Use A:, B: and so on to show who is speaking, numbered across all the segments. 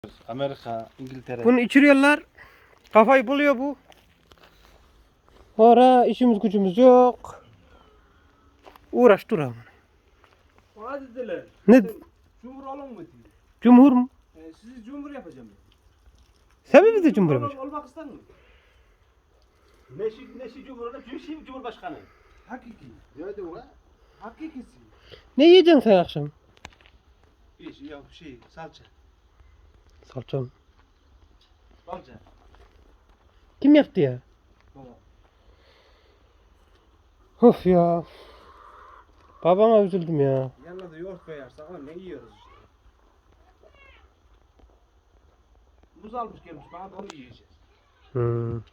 A: Amerika, İngiltere.
B: Bunu içiriyorlar. Kafayı buluyor bu. Sonra işimiz gücümüz yok. Uğraş dur ama.
C: Bana dediler.
B: Ne?
C: Cumhur olun mu diyor.
B: Cumhur mu?
C: Sizi cumhur yapacağım.
B: Sen mi bize cumhur yapacaksın?
C: Olmak ister mi?
A: Neşi Cumhurbaşkanı, Cumhurbaşkanı. Cumhurbaşkanı.
C: Hakiki.
A: Ne diyor lan?
C: Hakikisi.
B: Ne yiyeceksin sen akşam?
A: Yok salça.
B: Salça mı?
A: Salça.
B: Kim yaptı ya?
C: Baba.
B: Of ya. Babama üzüldüm ya.
C: Yanına da yoğurt koyarsan onunla yiyoruz işte. Muz almış gelmiş bana da onu yiyeceğiz.
B: Hmm.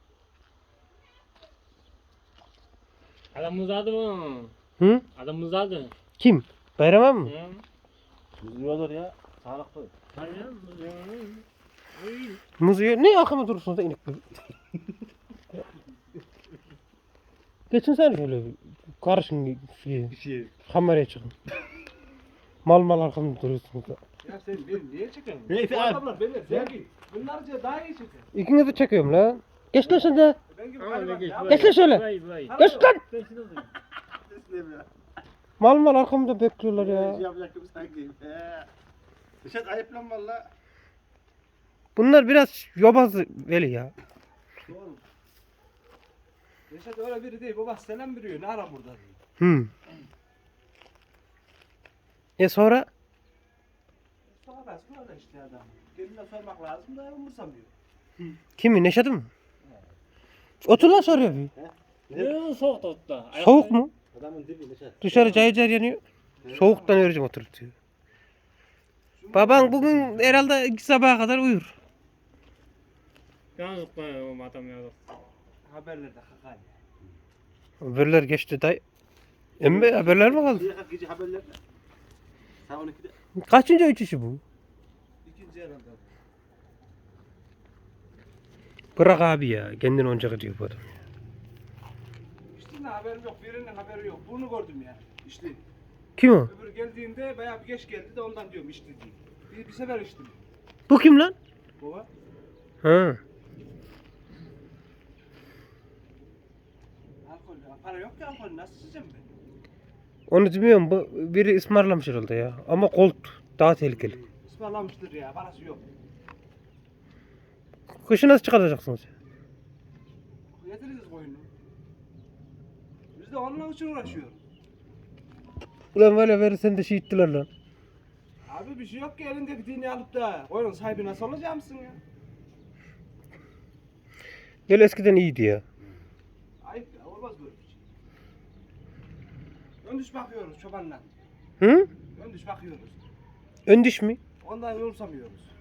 D: Adam uzadı mı?
B: Hı?
D: Adam uzadı.
B: Kim? Bayram mı?
D: Hı?
A: Ne olur ya? Sağlıklı.
D: Hayır.
B: Muz yiyor. Ne akıma durursunuz da inek gibi. Geçin sen şöyle karışın kameraya çıkın. Mal arkamda duruyorsunuz da.
C: Ya sen beni niye çekiyorsun?
A: Neyse
C: Bu
A: abi.
C: adamlar beni zengin. Bunlarca daha iyi çeker.
B: İkinizi de çekiyorum lan. Geç lan sen de.
C: Ben gibi
D: Öyle
C: gariban
D: geç.
C: ya.
B: Geç lan şöyle.
D: Vay.
B: Geç lan.
D: Ben şunu alayım.
B: Mal arkamda bekliyorlar ya.
A: Yapacak gibi sanki. Dışarı ayıp lan valla.
B: Bunlar biraz yobaz veli ya.
C: Doğru. Reşat öyle biri değil. Baba selam veriyor. Ne ara burada diyor.
B: Hmm. Sonra?
C: Sonra işte adam. Kendine sormak lazım da umursamıyor.
B: Kimi? Neşat'ı mı? Otur lan soruyor bir.
D: Ne soğuk tuttu.
B: Soğuk mu?
A: Adamın dibi Neşet.
B: Dışarı cayır cayır yanıyor. Soğuktan öleceğim oturup diyor. Baban bugün herhalde 2 sabaha kadar uyur.
D: Yalnız koyuyorum adam ya.
C: Haberlerde kakay.
B: Haberler geçti dayı. Emmi haberler mi kaldı?
A: Gece haberlerde. Saat 12'de.
B: Kaçıncı uçuşu bu?
C: İkinci herhalde.
B: Bırak abi ya. Kendini oncak ediyor bu adam.
C: İşte ne haberim yok. Birinin haberi yok. Bunu gördüm ya. İşte.
B: Kim o?
C: Öbür geldiğinde bayağı bir geç geldi de ondan diyorum işte diye. Bir sefer içtim.
B: Bu kim lan?
C: Baba.
B: Ha.
C: Alkol. Para yok ki alkol. Nasıl içeceğim ben?
B: Onu bilmiyorum. Bu biri ısmarlamış herhalde ya. Ama Colt daha tehlikeli.
C: Ismarlamıştır ya. Parası yok.
B: Kışı nasıl çıkartacaksınız?
C: Getiririz koyunu. Biz de onunla için uğraşıyoruz.
B: Ulan böyle verirsen de şehittiler lan.
C: Abi bir şey yok ki elindeki dini alıp da koyunun sahibi nasıl olacak mısın ya?
B: Gel eskiden iyiydi ya.
C: Ayıp ya. Olmaz böyle bir şey. Ön düş bakıyoruz çobanla.
B: Hı?
C: Ön düş bakıyoruz.
B: Ön diş mi?
C: Ondan yorumsamıyoruz.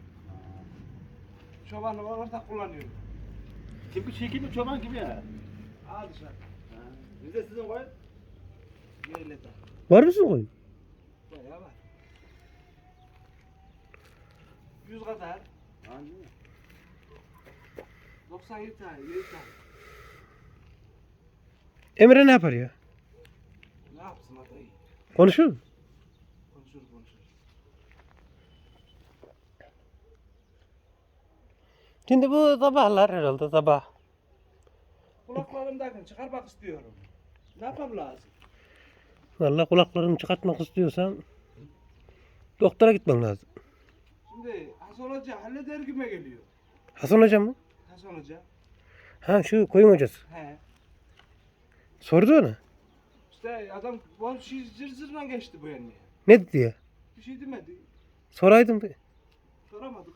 C: Çobanla ortak kullanıyoruz.
A: Kimi çoban gibi ya.
C: Al dışarı.
A: Biz de sizin koyun.
C: Yeyle de.
B: Var mısın koyun?
C: Bayağı var. 100 kadar. 97 tane, 7 tane.
B: Emre ne yapar ya?
C: Ne yapsın adayı?
B: Konuşuyor mu?
C: Konuşur.
B: Şimdi bu sabahlar herhalde sabah.
C: Kulaklarımdakini çıkarmak istiyorum. Ne yapmam lazım?
B: Vallahi kulaklarını çıkartmak istiyorsan doktora gitmen lazım.
C: Şimdi Hasan Hoca halleder güme geliyor.
B: Hasan Hoca mı?
C: Hasan Hoca.
B: Ha şu koyun hocası.
C: He.
B: Sordu ona.
C: İşte adam bu şey zırla geçti bu yani.
B: Ne dedi ya?
C: Bir şey demedi.
B: Soraydım be.
C: Soramadık.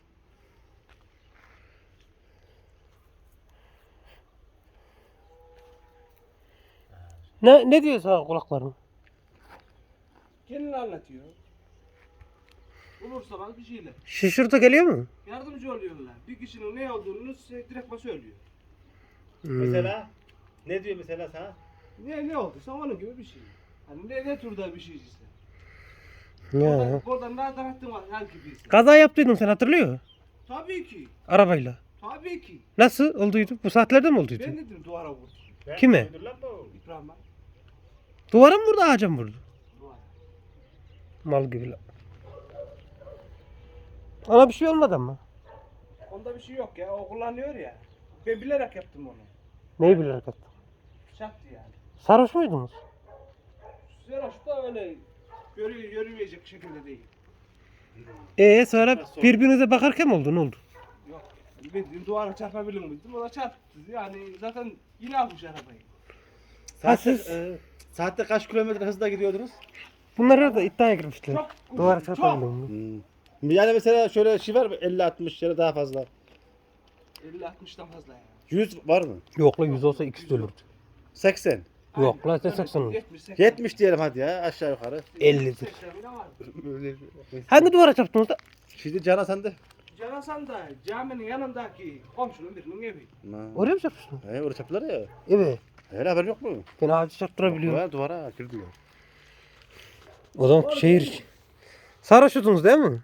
B: Ne diyor sana kulakların?
C: Kendini anlatıyor. Bulursa bana bir şeyler.
B: Şaşırtı geliyor mu?
C: Yardımcı oluyorlar. Bir kişinin ne olduğunu direkt söylüyor.
A: Mesela ne diyor mesela sana?
C: Ne olduysa onun gibi bir şey. Hani ne türde bir şey işte.
B: Ya.
C: Oradan daha tanıttım var her gibiyse.
B: Kaza yaptıydın sen hatırlıyor musun?
C: Tabii ki.
B: Arabayla.
C: Tabii ki.
B: Nasıl olduydu? Bu saatlerde mi olduydu?
C: Ben dedim duvara vurdu.
B: Kime?
C: İbrahim'e.
B: Duvara mı vurdu ağaca mı vurdu?
C: Duvara.
B: Mal gibi la. Ona bir şey olmadı ama.
C: Onda bir şey yok ya. O kullanıyor ya. Ben bilerek yaptım onu.
B: Neyi bilerek yaptın?
C: Şaktı yani.
B: Sarhoş muydunuz?
C: Zeraş da öyle yürümeyecek şekilde değil.
B: Sonra birbirinize bakarken mi oldu? Ne oldu?
C: Yok. Ben duvara çarpabilir miydim? O da çarptı. Yani zaten yine almış arabayı.
B: Siz-
A: Saatte kaç kilometre hızla gidiyordunuz?
B: Bunlar da iddiaya girmişler.
C: Çok.
B: Duvara
C: çok.
B: çarpabiliyor mu?
A: Yani mesela şöyle şey var mı? 50-60 ya da daha fazla.
C: 50-60'dan fazla yani.
A: 100 var mı?
B: Yok la 100 olsa ikisi de ölürdü.
A: 80.
B: Yok la 80 olur.
C: 70,
A: 70 diyelim hadi ya aşağı yukarı.
B: 50'dir.
C: 80 bile var.
B: Hangi duvara çarptınız da?
A: Şimdi Can Hasan de.
C: Canasan da caminin yanındaki komşunun birinin evi.
B: Oraya mı çarpmışsın?
A: Orada çapılar ya.
B: Evet.
A: Öyle haber yok mu?
B: Ben ağacı çarptırabiliyorum.
A: Duvara girdi ya.
B: O zaman şehir... Sarhoşudunuz değil mi?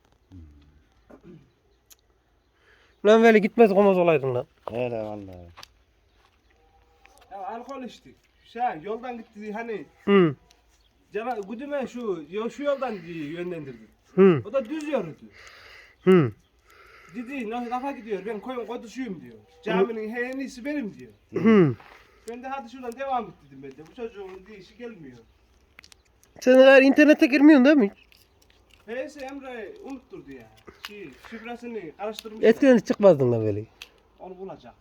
B: Lan böyle gitmez olmaz olaydın lan.
A: Öyle vallahi.
C: Ya alkol içtik. Yoldan gitti hani
B: Hı.
C: Güdüme şu yoldan yönlendirdi.
B: Hı.
C: O da düz yürüdü.
B: Hı.
C: Dedi lafa gidiyor ben koyun koduşuyum diyor. Caminin en iyisi benim diyor.
B: Hı.
C: Ben de hadi şuradan devam et dedim ben de. Bu çocuğun işi gelmiyor.
B: Sen eğer internete girmiyorsun değil mi?
C: Neyse Emre unutturdu ya. Şifresini karıştırmış.
B: Eskiden hiç çıkmazdın lan böyle.
C: Onu bulacak.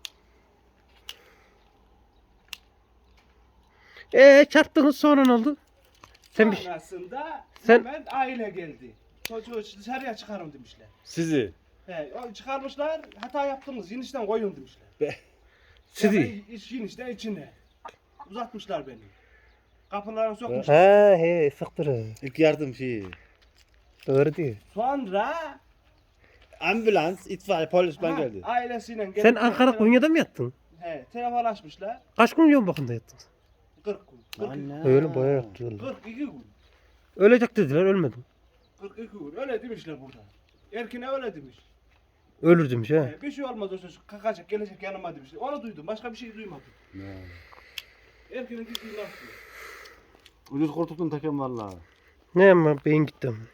B: Çarptınız sonra ne oldu? Sen bir
C: Sonrasında
B: Sen-
C: hemen aile geldi. Çocuğu dışarıya çıkarın demişler.
A: Sizi.
C: Çıkarmışlar hata yaptınız yenişten koyun demişler.
B: sizi.
C: Yenişten içine. Uzatmışlar beni. Kapılarını
B: Ha
C: sokmuşlar.
B: sıktır.
A: İlk yardım şeyi.
B: Doğru diyor.
C: Sonra
A: Ambulans, itfaiye, polis ben geldi.
C: ailesiyle geldi.
B: Sen Ankara Konya'da mı yattın?
C: He, telefon açmışlar.
B: Kaç gün yoğun bakımda yattın?
C: 40 gün. 42,
B: Öyle bayağı yattı.
C: 42 gün.
B: Ölecek dediler ölmedim.
C: 42 gün. Öyle demişler burada. Erkine öyle demiş.
B: Ölür demiş ha.
C: Bir şey olmaz o çocuk kakacak gelecek yanıma demişler. Onu duydum. Başka bir şey duymadım. Erkinin dediği laf diyor.
A: Ucuz kurtuldun takem vallahi.
B: Ne ama beyin gitti ama.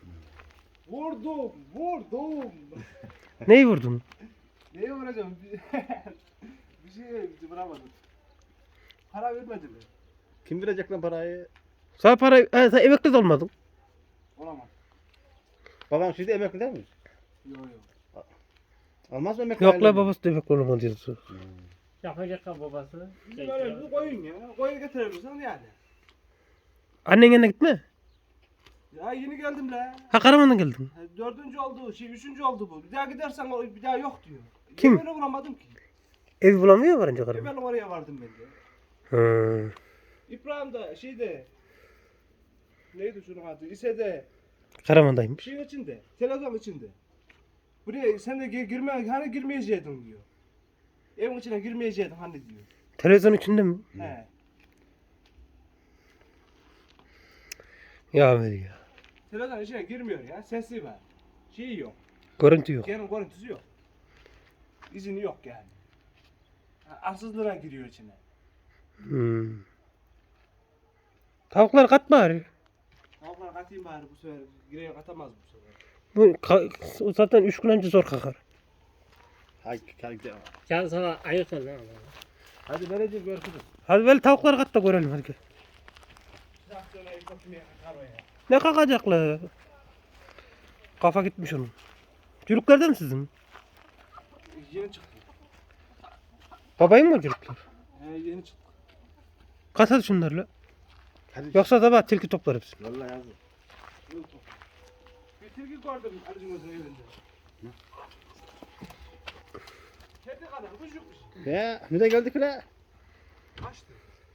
C: Vurdum.
B: Neyi vurdun?
C: Neye vuracağım? Bir şey vuramadım. Para vermedi mi?
A: Kim verecek lan parayı?
B: Sana para... sen emekli de olmadın.
C: Olamaz.
A: Babam şimdi emekli değil mi?
C: Yok.
A: Almaz mı emekli?
B: Yok
A: aile
B: la
A: mi?
B: babası da emekli olamadı diyorsun.
D: Yapacak ha babası.
C: Bizim öyle bir koyun ya. Koyun getirebilirsen yani.
B: Annen yanına gitme.
C: Ya yeni geldim la.
B: Ha Karaman'dan geldin.
C: Dördüncü oldu, üçüncü oldu bu. Bir daha gidersen bir daha yok diyor.
B: Kim?
C: Ben uğramadım ki.
B: Ev bulamıyor varınca Karaman.
C: Ben oraya vardım ben de.
B: Hı.
C: İbrahim da neydi şunun adı? İSE'de
B: Karaman'daymış.
C: şeyin içinde, televizyon içinde. Buraya sen de hani girmeyeceydin diyor. Evin içine girmeyeceydin hani diyor.
B: Televizyon içinde mi?
C: He.
B: Ya Veli ya.
C: Televizyon içine girmiyor ya. Sesi var. Şeyi yok.
B: Görüntü yok.
C: Genel görüntüsü yok. İzini yok yani. Arsızlığına giriyor içine.
B: Hmm. Tavuklar kat bari.
C: Tavuklar katayım bari bu sefer. Gireye katamaz bu sefer.
B: Bu zaten 3 gün önce zor kalkar.
A: Hay, gidelim.
D: Sen sana ayırt ol lan.
C: Hadi vereceğiz görüşürüz.
B: Hadi böyle tavukları kat da görelim hadi gel.
C: Traktörle götürmeye kalkar o ya.
B: Ne kalkacaklar? Kafa gitmiş onun. Çocuklar mi sizin?
C: Yeni çıktı.
B: Babayın mı çocuklar?
C: Yeni çıktı.
B: Kat hadi şunlarla.
A: Hadi.
B: Yoksa sabah tilki toplar hepsini.
A: Vallahi yazın.
C: Bir tilki gördüm Ali'cim Öz'ün evinde. Kedi kadar kuş yokmuş.
A: Ya ne de geldik la?
C: Kaçtı.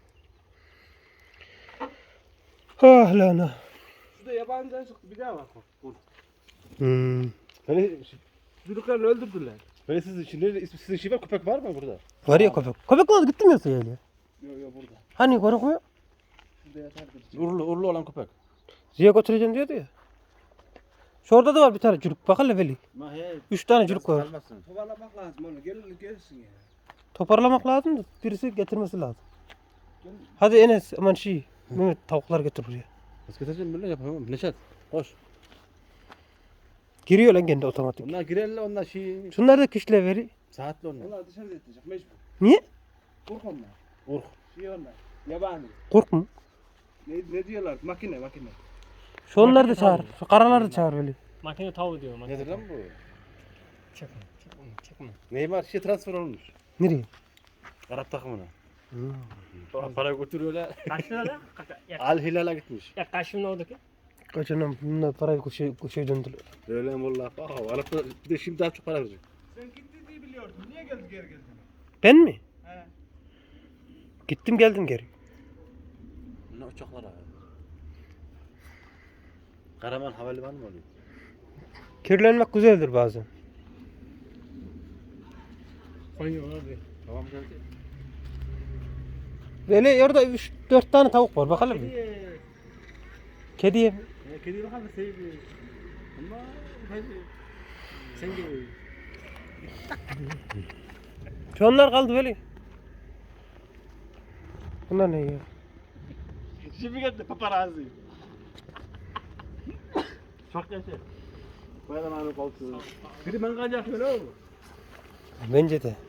B: Ah lan.
C: Şurada yabancıdan çıktı bir daha bak.
B: Hmm.
A: Böyle,
C: Çocuklarını öldürdüler.
A: böyle sizin şive köpek var mı burada?
B: Var ya köpek. Köpek mi oldu gitti mi yoksa yani?
C: Yok burada.
B: Hani korukuyor?
C: Şurada yatardı.
A: Urlu olan köpek.
B: Ziya götüreceğim diyordu ya. Şu orada da var bir tane çocuk. Bak hele Veli.
A: Ma he.
B: 3 tane çocuk var.
A: Kalmasın.
C: Toparlamak lazım onu. Gelsin ya.
B: Toparlamak lazım da birisi getirmesi lazım. Hadi Enes aman Mehmet tavuklar getir buraya.
A: Nasıl getireceğim böyle yapamam. Neşet. Koş.
B: Giriyor lan kendi otomatik.
A: Onlar girerler onlar şey
B: Şunlar da kişiler veri.
A: saatli onlar.
C: Onlar dışarıda yatacak mecbur.
B: Niye?
C: Kork onlar.
A: Urk.
C: Şey onlar. Yabani.
B: Kork mu?
C: Ne diyorlar? Makine.
B: Şu onları da
D: Makine
B: çağır.
D: tavuğu.
B: Şu karaları da çağır böyle.
D: Makine tavuğu diyor. Makine
A: Nedir lan bu?
D: Çekme. Çekme. Çekme.
A: Neymar şey transfer olmuş.
B: Nereye?
A: Arap takımına.
B: Hmm.
A: Para götürüyorlar.
D: Kaç lira lan?
A: Al Hilal'a gitmiş.
D: Ya kaç lira oradaki?
B: Kaçanım bunlar parayı kuşaya döndüler.
A: Öyle mi valla? Arap bir de şimdi daha çok para verecek.
C: Sen gitti diye biliyordun. Niye geri geldin?
B: Ben mi?
C: He.
B: Gittim geldim geri.
A: Ne uçaklar abi? Karaman havalimanı mı oluyor?
B: Kirlenmek güzeldir bazen.
D: Koyuyor abi.
A: Tamam geldi.
B: Böyle orada 3-4 tane tavuk var bakalım mı? Kediye mi?
A: Kedi bakalım sevdi. Ama hadi. Sen gibi.
B: Şu onlar kaldı böyle. Bunlar ne ya?
A: Şimdi geldi paparazzi. Çok yaşa. Bayram abi koltuğu. Biri ben kaçak öyle oldu.
B: Bence de.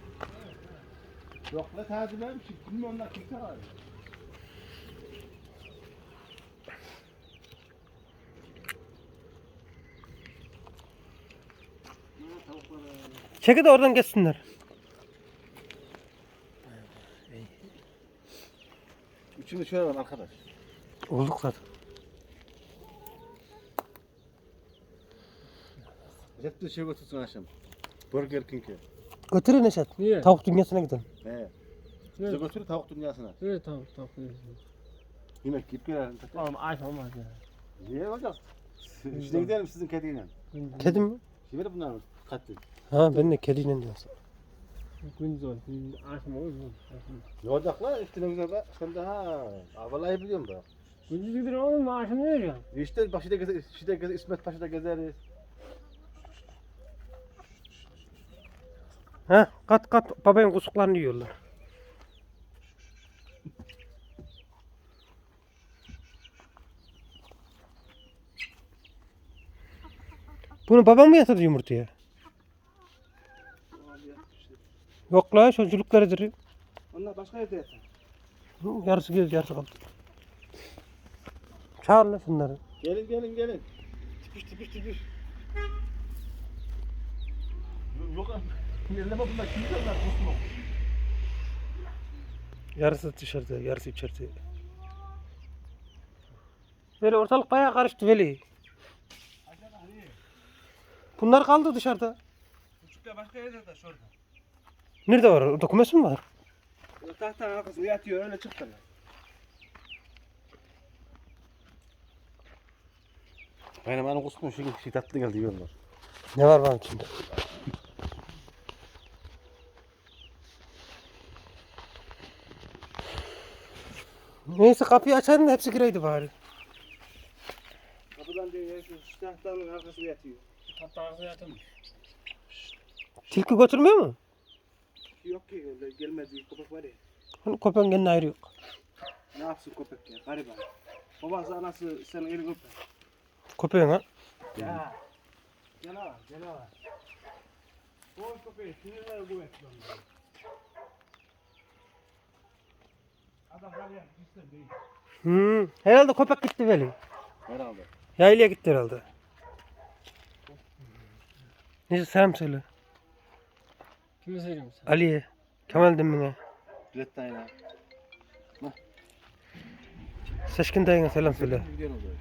A: Yok la tatil ben şey. Bilmiyorum onlar kimse var.
B: Çeki de oradan geçsinler.
A: Üçünü şöyle var arkadaş.
B: Olduk zaten.
A: Hep de şey götürsün akşam. Burger King'e.
B: Götürün Neşet.
D: Niye?
B: Tavuk dünyasına gidelim.
A: He. Bize götür tavuk dünyasına.
D: Evet tamam tamam.
A: Yemek yiyip gelelim.
D: Oğlum aç olmaz ya.
A: Niye hocam? Şimdi gidelim sizin kediyle.
B: Kedi mi?
A: Şimdi bunlar katli.
B: Ha ben de kediyle diyorsun.
D: Gündüz ol. Açma olur mu?
A: Ne olacak lan? İşte güzel bak. Sen de ha. Vallahi biliyorum bak.
D: Gündüz gidiyor oğlum maaşını veriyor.
A: İşte başta gezer, işte gezer, İsmet Paşa'da gezeriz.
B: Ha kat babayın kusuklarını yiyorlar. Bunu babam mı yatırdı yumurtaya?
C: Abi yapmıştır.
B: Yok la çocuklarıdır.
C: Onlar başka yerde yatar.
B: Yarısı göz yarısı kaldı. Çağır lan şunları.
A: Gelin. Tipiş. Yok abi. Yerleme bunlar. Kim bunlar? Kusma.
B: Yarısı dışarıda yarısı içeride. Böyle ortalık bayağı karıştı Veli. Bunlar kaldı dışarıda.
C: Küçükler başka yerde yatar şurada.
B: Nerede var? Orada kumes mi var?
C: Tahtanın arkasında yatıyor öyle çıktılar.
A: Benim anam kusma şu şey tatlı geldi yiyorlar.
B: Ne var benim içinde? Neyse kapıyı açarım da hepsi gireydi bari.
C: Kapıdan diyor şu tahtanın arkasında yatıyor.
D: Hatta ağzına yatırmış.
B: Tilki götürmüyor mu?
C: Yok ki öyle gelmedi köpek var ya.
B: Hani köpeğin kendine ayrı yok.
C: Ne yapsın köpek ya gariban. Babası anası senin elini öper.
B: Köpeğin ha?
C: Ya. Canavar. Boğaz köpeği sinirleri kuvvetli onlar. Adam var ya sistem değil.
B: Herhalde köpek gitti Veli.
A: Herhalde.
B: Yaylaya gitti herhalde. Neyse selam söyle.
D: Kimi söyleyeyim sen?
B: Ali'ye. Kemal Demir'e.
A: Bilet dayına.
B: Seçkin dayına selam söyle.
A: Gidiyorum böyle.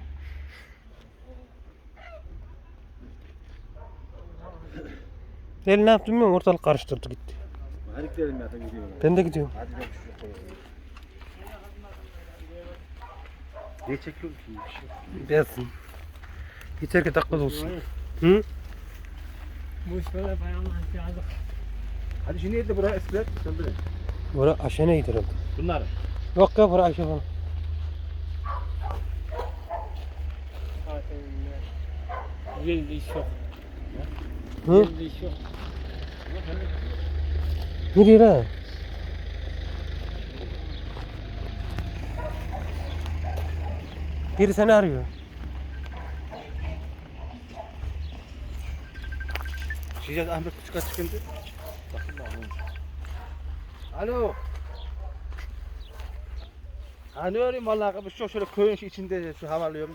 B: Veli ne yaptı bilmiyorum ortalık karıştırdı gitti.
A: Hadi gidelim ya da gidiyorum.
B: Ben de gidiyorum.
A: Hadi ben şu koyalım. Ne çekiyorum ki?
B: Gelsin. Yeter ki dakika olsun. Hı?
D: Bu iş böyle bayanlar yazık.
A: Hadi şimdi yedi buraya espriler. Sen böyle.
B: Bura Aşen'e gider herhalde.
A: Bunlar.
B: Yok ya bura Ayşe falan.
D: Yerinde iş yok.
B: Hı?
D: Yerinde iş yok.
B: Nereye lan? Biri seni arıyor.
A: Şişe Ahmet Küçük'a çıkındı. Bakın da olmuş. Alo. Hani arıyorum vallahi şu şöyle köyün içinde şu havalıyorum.